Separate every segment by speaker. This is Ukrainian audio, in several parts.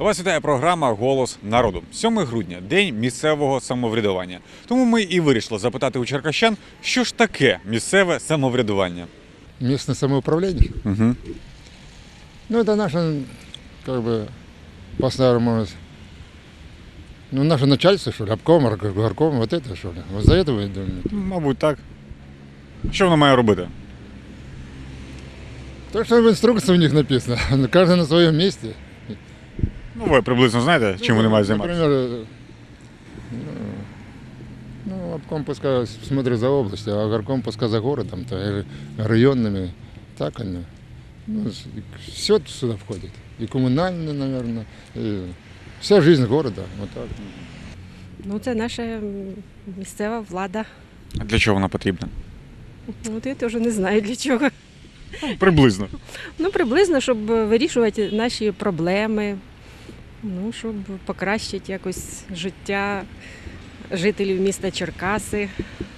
Speaker 1: Вас вітає програма «Голос народу». 7 грудня – День місцевого самоврядування. Тому ми і вирішили запитати у черкащан, що ж таке місцеве самоврядування.
Speaker 2: Местное самоуправление.
Speaker 1: Угу.
Speaker 2: Ну, это наше, как бы, по-старому, ну, наше начальство, что ли, обком, горком, вот это, что ли. Вот за это вы думаете?
Speaker 1: Мабуть, так. Що воно має робити?
Speaker 2: То, что в инструкции у них написано, каждый на своем месте.
Speaker 1: Ну, ви приблизно знаєте, чим вони мають займатися?
Speaker 2: Например, ну, обком пускай смотрит за областью, а горком пускай за городом, то, или районными, так они. Ну, все сюда входит. И коммунальные, наверное, и вся жизнь города. Вот так.
Speaker 3: Ну, це наша місцева влада.
Speaker 1: А для чого вона потрібна?
Speaker 3: От я теж не знаю для чого.
Speaker 1: Приблизно.
Speaker 3: Ну, приблизно, щоб вирішувати наші проблеми, ну, щоб покращити якось життя жителів міста Черкаси.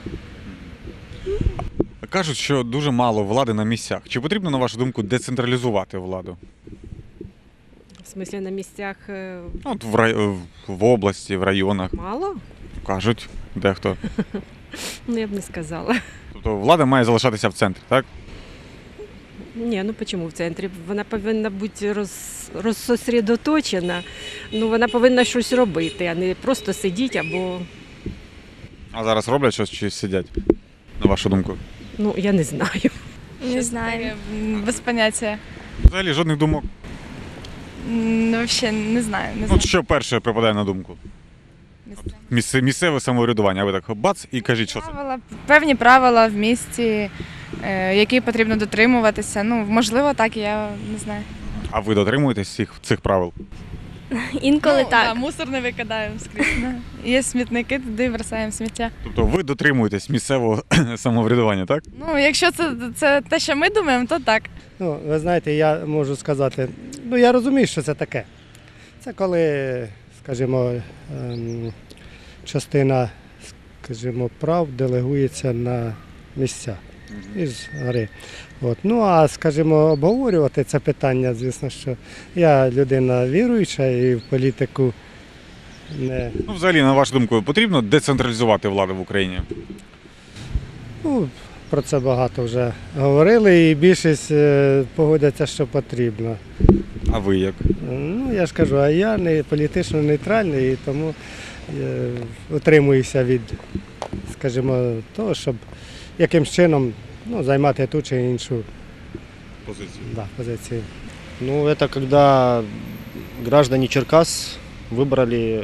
Speaker 1: Кажуть, що дуже мало влади на місцях. Чи потрібно, на вашу думку, децентралізувати владу?
Speaker 3: В смислі, на місцях
Speaker 1: От в області, в районах.
Speaker 3: мало?
Speaker 1: Кажуть, дехто.
Speaker 3: Ну, я б не сказала.
Speaker 1: Тобто влада має залишатися в центрі, так?
Speaker 3: Ні, ну чому в центрі? Вона повинна бути розсосредоточена. Ну, вона повинна щось робити, а не просто сидіти або,
Speaker 1: А зараз роблять щось чи сидять, на вашу думку?
Speaker 3: ну, я не знаю.
Speaker 4: Не знаю, без поняття.
Speaker 1: Взагалі жодних думок.
Speaker 4: Взагалі не знаю. Не
Speaker 1: От
Speaker 4: знаю.
Speaker 1: що перше припадає на думку? Місцеве самоврядування. Ви так бац і кажіть, що це.
Speaker 4: Певні правила в місті, які потрібно дотримуватися. Ну, можливо, так, я не знаю.
Speaker 1: А ви дотримуєтесь цих правил?
Speaker 5: Інколи так.
Speaker 4: Да, мусор не викидаємо скрізь. Да. Є смітники, туди бросаємо сміття.
Speaker 1: Тобто ви дотримуєтесь місцевого самоврядування, так?
Speaker 4: Ну, якщо це те, що ми думаємо, то так.
Speaker 6: Ну, ви знаєте, я можу сказати, ну я розумію, що це таке. Це коли, скажімо, частина, скажімо, прав делегується на місця із гори. От. Ну, а, скажімо, обговорювати це питання, звісно, що я людина віруюча і в політику не...
Speaker 1: Ну, взагалі, на вашу думку, потрібно децентралізувати владу в Україні?
Speaker 6: Ну, про це багато вже говорили і більшість погодяться, що потрібно.
Speaker 1: А ви як?
Speaker 6: Ну, я ж кажу, а я не політично нейтральний, і тому утримуюся від, скажімо, того, щоб якимсь чином займати ту чи іншу позицію.
Speaker 7: Ну, это когда граждане Черкас выбрали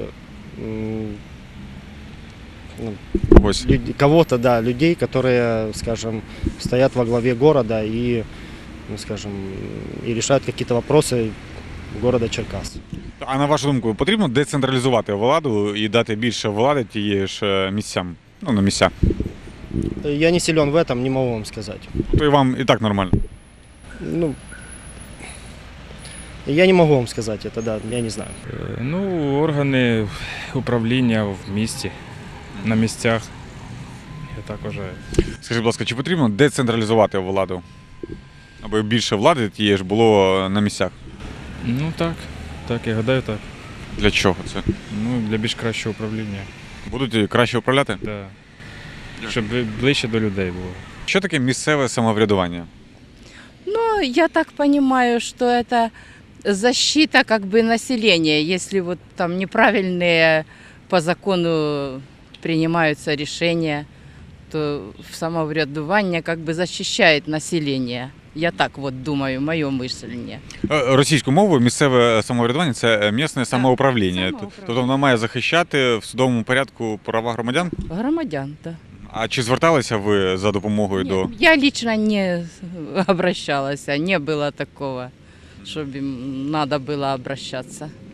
Speaker 1: Ось.
Speaker 7: кого-то, да, людей, которые, скажем, стоят во главе города и, ну, скажем, и решают какие-то вопросы города Черкас.
Speaker 1: А на вашу думку, потрібно децентралізувати владу і дати більше влади тієї ж місцям? Ну, на місця.
Speaker 7: Я не силен в этом, не могу вам сказать.
Speaker 1: То і вам і так нормально.
Speaker 7: Ну, я не могу вам сказать это, да, я не знаю.
Speaker 8: Ну, органи управління в місті, на місцях. Я так вважаю.
Speaker 1: Скажіть, будь ласка, чи потрібно децентралізувати владу? Аби більше влади тієї ж було на місцях?
Speaker 8: Ну так, я гадаю так.
Speaker 1: Для чого це?
Speaker 8: Ну, для більш кращого управління.
Speaker 1: Будуть краще управляти?
Speaker 8: Да. Щоб ближче до людей було.
Speaker 1: Що таке місцеве самоврядування?
Speaker 9: Ну, я так понимаю, что это защита как бы населения, если вот там неправильные по закону принимаются решения, то самоврядування как бы защищает население. Я так вот думаю, моє мислення.
Speaker 1: Російською мовою місцеве самоврядування – це місцеве самоуправління. Тобто воно має захищати в судовому порядку права громадян?
Speaker 9: Громадян, так.
Speaker 1: А чи зверталися ви за допомогою до...
Speaker 9: Я лично не обращалась, не было такого, чтобы им надо было обращаться.